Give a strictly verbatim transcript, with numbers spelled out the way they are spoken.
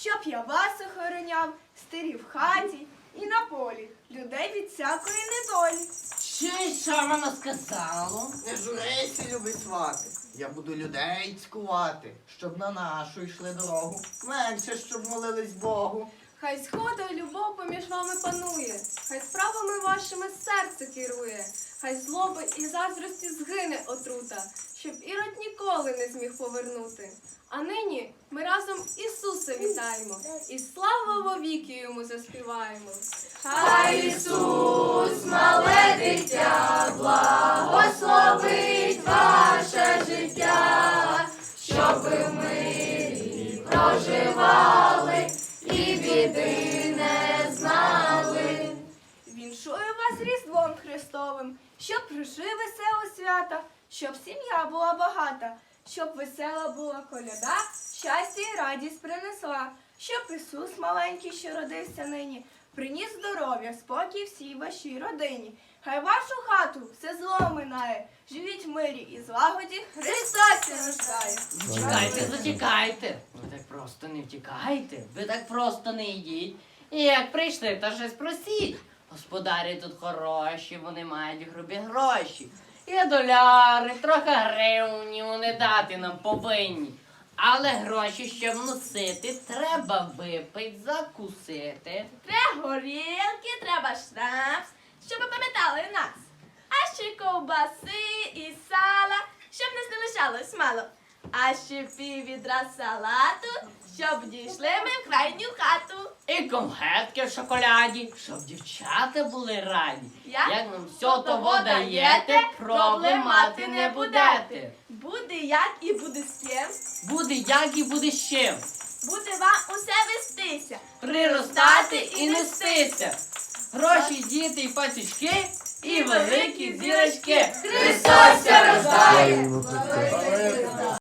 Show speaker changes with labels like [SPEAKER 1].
[SPEAKER 1] щоб я вас охороняв, стирі в хаті і на полі, людей від всякої недолі.
[SPEAKER 2] Чи що воно сказало?
[SPEAKER 3] Не журися, любий свати. Я буду людей цькувати, щоб на нашу йшли дорогу. Менше, щоб молились Богу.
[SPEAKER 1] Хай згода й любов поміж вами панує, хай справами вашими серце керує, хай злоби і заздрості згине отрута, щоб Ірод ніколи не зміг повернути. А нині ми разом Ісуса вітаємо і славу вовіки йому заспіваємо. Хай Ісус, мале дитя, благословить ваше життя, щоб ви в мирі проживали і біди не знали. Віншую вас Різдвом Христовим, щоб прожив весело свята, щоб сім'я була багата, щоб весела була коляда, щастя і радість принесла, щоб Ісус маленький, що родився нині, приніс здоров'я, спокій всій вашій родині. Хай вашу хату все зло минає, живіть в мирі і злагоді, Христос рождає.
[SPEAKER 2] Зачекайте, зачекайте. Ви так просто не втікайте, ви так просто не йдіть. І як прийшли, то щось просіть. Господарі тут хороші, вони мають грубі гроші. Є доляри, трохи гривні вони дати нам повинні. Але гроші, щоб носити, треба випити, закусити.
[SPEAKER 1] Треба горілки, треба шнапс, щоб ви пам'ятали нас. А ще ковбаси і сала, щоб не залишалось мало. А ще пів відра салату, щоб дійшли ми в крайню хату.
[SPEAKER 2] І конфетки в шоколаді, щоб дівчата були раді.
[SPEAKER 1] Як?
[SPEAKER 2] Як нам все того даєте, проблемати не будете.
[SPEAKER 1] Буде як і буде з ким,
[SPEAKER 2] Буде як і буде з чим.
[SPEAKER 1] буде вам усе вестися.
[SPEAKER 2] Приростати і нестися. Гроші, діти і пасічки, і великі зірочки.
[SPEAKER 1] Христос рождає!